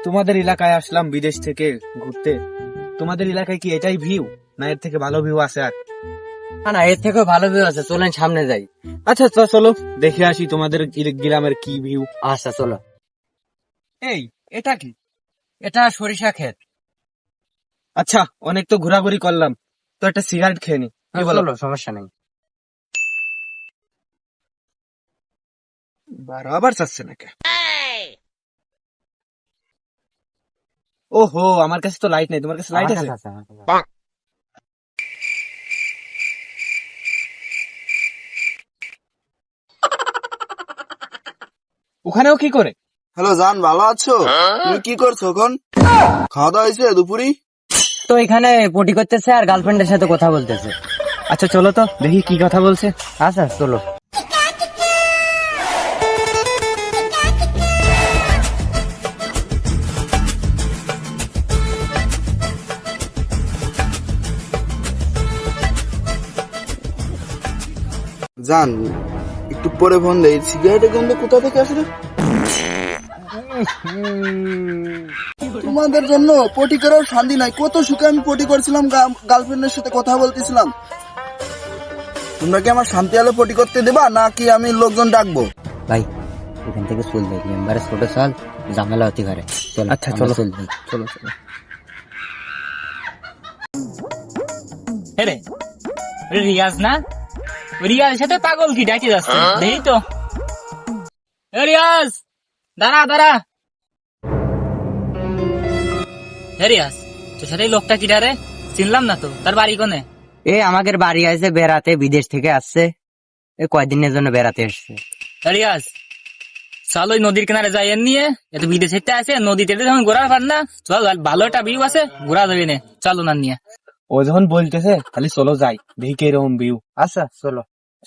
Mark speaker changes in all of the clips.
Speaker 1: তোমাদের এলাকায় আসলাম বিদেশ থেকে ঘুরতে। তোমাদের এলাকায় কি এটাই ভিউ, না এর থেকে ভালো ভিউ আছে আর?
Speaker 2: না না, এর থেকেও ভালো ভিউ আছে, চলেন সামনে যাই।
Speaker 1: আচ্ছা চলো দেখে আসি তোমাদের গ্রামের কি ভিউ।
Speaker 2: আচ্ছা চলো।
Speaker 1: এই এটা কি?
Speaker 2: এটা সরিষা ক্ষেত।
Speaker 1: আচ্ছা অনেক তো ঘোরাঘুরি করলাম, তো একটা সিগারেট খেয়ে নি, কি বলো?
Speaker 2: চলো, সমস্যা নেই।
Speaker 1: বারবার চাচ্ছে নাকি? ওহো, আমার কাছে তো লাইট নেই, তোমার কাছে লাইট
Speaker 2: আমার
Speaker 1: আছে?
Speaker 2: কাছে আছে, আমার কাছে আছে।
Speaker 1: ওখানেও কি করে?
Speaker 3: হ্যালো জান, ভালো আছো? তুমি কি করছো এখন? খাওয়া দাওয়া হয়েছে দুপুরি?
Speaker 2: তো এখানে পটি করতেছে আর গার্লফ্রেন্ডের সাথে কথা বলতেছে।
Speaker 1: আচ্ছা চলো তো দেখি কি কথা বলছে।
Speaker 2: আচ্ছা চলো।
Speaker 3: জান একটু পরে ফোন দেই। সিগারেটের গন্ধ কোথা থেকে আসলে? তোমাদের জন্য পটি করার শান্তি নাই। কত সুখে আমি পটি করছিলাম, গার্লফ্রেন্ডের সাথে কথা বলতেছিলাম। তোমরা কি আমার শান্তি আলো পটি করতে দেবা, নাকি আমি লোকজন ডাকবো?
Speaker 2: ভাই এখান থেকে চল যাই, মেম্বারের ছোট সাল ঝামেলা হতে পারে। চল
Speaker 1: আচ্ছা, চলো।
Speaker 2: চল যাই।
Speaker 1: চলো চলো।
Speaker 4: রে রিয়াজ না? রিয়াজের সাথে পাগল কি ডাকি যাচ্ছে, দেখি তো। এ রিয়াজ, দাঁড়া দাঁড়া। হে রিয়াজ, তোর সাথে এই লোকটা কিটা রে? চিনলাম না তো, তার বাড়ি কোনে?
Speaker 2: এ আমাদের বাড়ি আছে বেড়াতে, বিদেশ থেকে আসছে, এ কয়দিনের জন্য বেড়াতে এসছে।
Speaker 4: হে রিয়াজ, চল ওই নদীর কিনারে যাই, এর নিয়ে এত বিদেশ থেকে আছে, নদীতে যখন ঘোরার পার না, চল ভালো একটা ভিউ আছে, ঘোরা যাবে না, চল ওনার নিয়ে।
Speaker 1: ও যখন বলতেছে তাহলে চলো যাই, দেখি কি এরকম ভিউ।
Speaker 2: আচ্ছা চলো।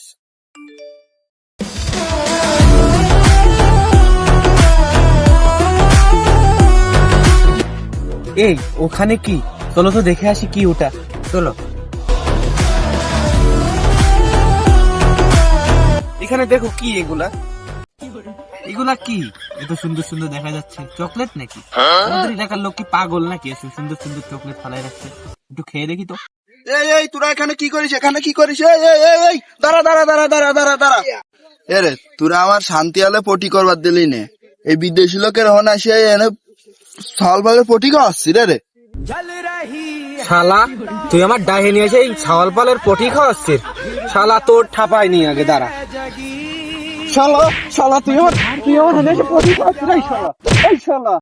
Speaker 1: এই ওখানে কি? চলো তো দেখে আসি কি ওটা।
Speaker 2: চলো।
Speaker 1: এখানে দেখো কি এগুলা, এগুলা কি? এত সুন্দর সুন্দর দেখা যাচ্ছে, চকলেট নাকি? আমাদের এলাকার লোক কি পাগল নাকি এত সুন্দর সুন্দর চকলেট ফালাই রাখছে? একটু খেয়ে দেখি তো।
Speaker 3: এই তোরা এখানে কি করিস? এখানে কি করিস? এই দাঁড়া দাঁড়া দাঁড়া দাঁড়া দাঁড়া দাঁড়া। এরে তোরা আমার শান্তি আলো পটি করবার দিলি নে। এই বিদেশি লোকের হন আসে এনে সাল ভাবে পটি খাওয়াচ্ছি রে।
Speaker 1: শালা তুই আমার ডাহে নিয়ে এসে এই ছাওয়াল পালের পটি খাওয়াচ্ছিস? শালা তোর ঠাপায় নি আগে, দাঁড়া। শালা শালা তুই আমার হাতে এসে পটি খাওয়াচ্ছিস? এই শালা, এই শালা।